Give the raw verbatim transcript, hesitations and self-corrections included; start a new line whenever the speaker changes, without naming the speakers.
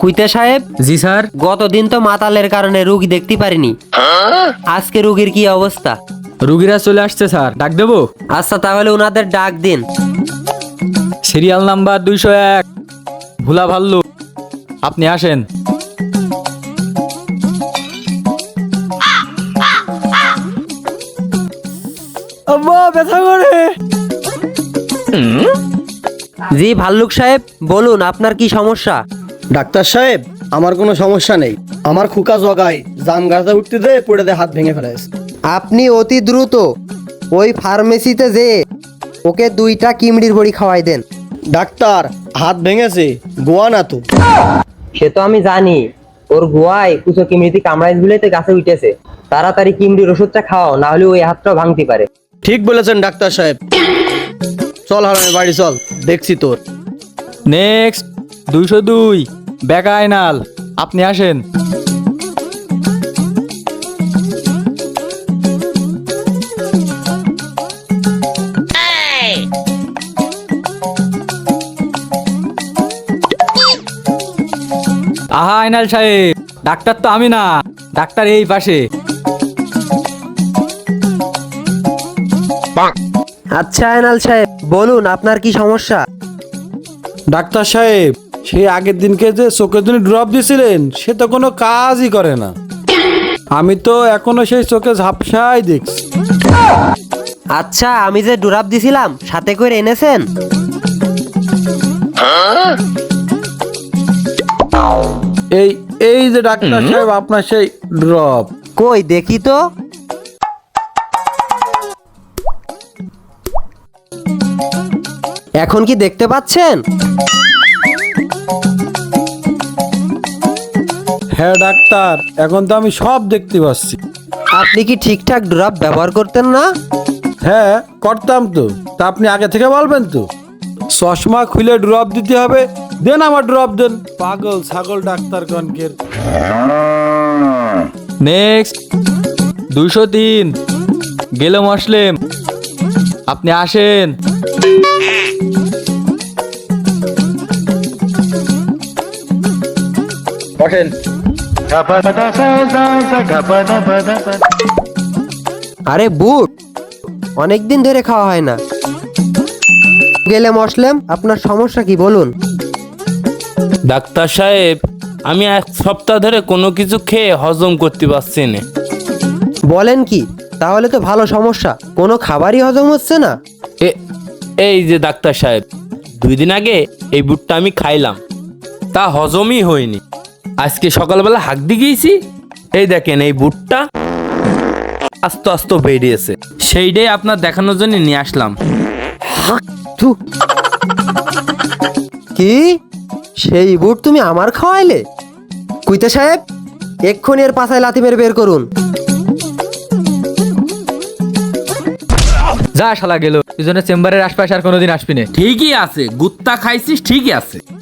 কুইতে সাহেব।
জি স্যার।
গতদিন তো মাতালের কারণে রুগী দেখতে পারিনি, আজকে রুগীর কি অবস্থা?
রুগীরা চলে আসছে স্যার, ডাক দেবো?
আচ্ছা তাহলে ওনাদের ডাক দিন।
সিরিয়াল নাম্বার দুইশো এক, ভোলা ভাল্লু, আপনি আসেন। আব্বা ব্যথা করে।
জি ভাল্লুক সাহেব বলুন, আপনার কি সমস্যা?
ডাক্তার সাহেব, আমার কোনো সমস্যা নেই। আমার খুকা জগায় জাম গাছে উঠতে দে পড়ে দে হাত ভেঙে ফেলেছে।
আপনি অতি দ্রুত ওই ফার্মেসিতে যে ওকে দুইটা কিমড়ির বড়ি খাওয়াই দেন।
ডাক্তার, হাত ভেঙেছে, গোয়া না তো?
সে তো আমি জানি, ওর গোয়ায় কুচো কিমড়িতে কামড়াইছ বলেই তো গাছে উঠেছে। তাড়াতাড়ি কিমড়ির ওষুধটা খাওয়াও, না হলে ওই হাতটাও ভাঙতে পারে।
ঠিক বলেছেন ডাক্তার সাহেব। চল হারামি বাড়ি চল, দেখছি তোর।
নেক্সট দুইশো দুই, বেকা আয়নাল, আপনি আসেন। আহা আয়নাল সাহেব, ডাক্তার তো আমি না, ডাক্তার এই পাশে।
আচ্ছা আয়নাল সাহেব বলুন, আপনার কি সমস্যা?
ডাক্তার সাহেব, সেই আগের দিনকে যে চোখের জন্য ড্রপ দিয়েছিলেন সে তো কোনো কাজই করে না। আমি তো এখনো সেই চোখে ঝাপসাই দেখছি।
আচ্ছা আমি যে ডুরাপ দিছিলাম সাথে করে এনেছেন?
এই এই যে ডাক্তার সাহেব আপনার সেই ড্রপ।
কই দেখি তো। এখন কি দেখতে পাচ্ছেন?
হ্যাঁ ডাক্তার, এখন তো আমি সব দেখতে পাচ্ছি।
আপনি কি ঠিকঠাক ড্রপ ব্যবহার করতেন না?
হ্যাঁ করতাম তো, তা আপনি আগে থেকে বলবেন তো। চশমা খুলে ড্রপ দিতে হবে, দেন আমার ড্রপ দেন। পাগল ছাগল ডাক্তার কনকের।
নেক্সট দুইশো তিন, গেল মসলেম, আপনি আসেন। বসেন।
আরে বুট অনেকদিন ধরে খাওয়া হয় না। গেলে মশলেম, আপনার সমস্যা কি বলুন?
ডাক্তার সাহেব, আমি এক সপ্তাহ ধরে কোনো কিছু খেয়ে হজম করতে পারছি না।
বলেন কি? তাহলে তো ভালো সমস্যা, কোনো খাবারই হজম হচ্ছে না।
এ- এই যে ডাক্তার সাহেব, দুই দিন আগে এই বুটটা আমি খাইলাম, তা হজমই হয়নি। আজকে সকালবেলা হাঁক দিয়ে গিয়েছি, এই দেখেন এই বুটটা আস্তে আস্তে বেরিয়েছে। সেইটাই আপনার দেখানোর জন্য নিয়ে আসলাম।
থু। কি সেই বুট তুমি আমার খাওয়াইলে? কুইতে সাহেব এক্ষুনি এর পাছায় লাথি মেরে বের করুন।
যা শালা গেল, এই জন্য চেম্বারের আশপাশে আর কোনোদিন আসবি না।
ঠিকই আছে, গুত্তা খাইছিস ঠিকই আছে।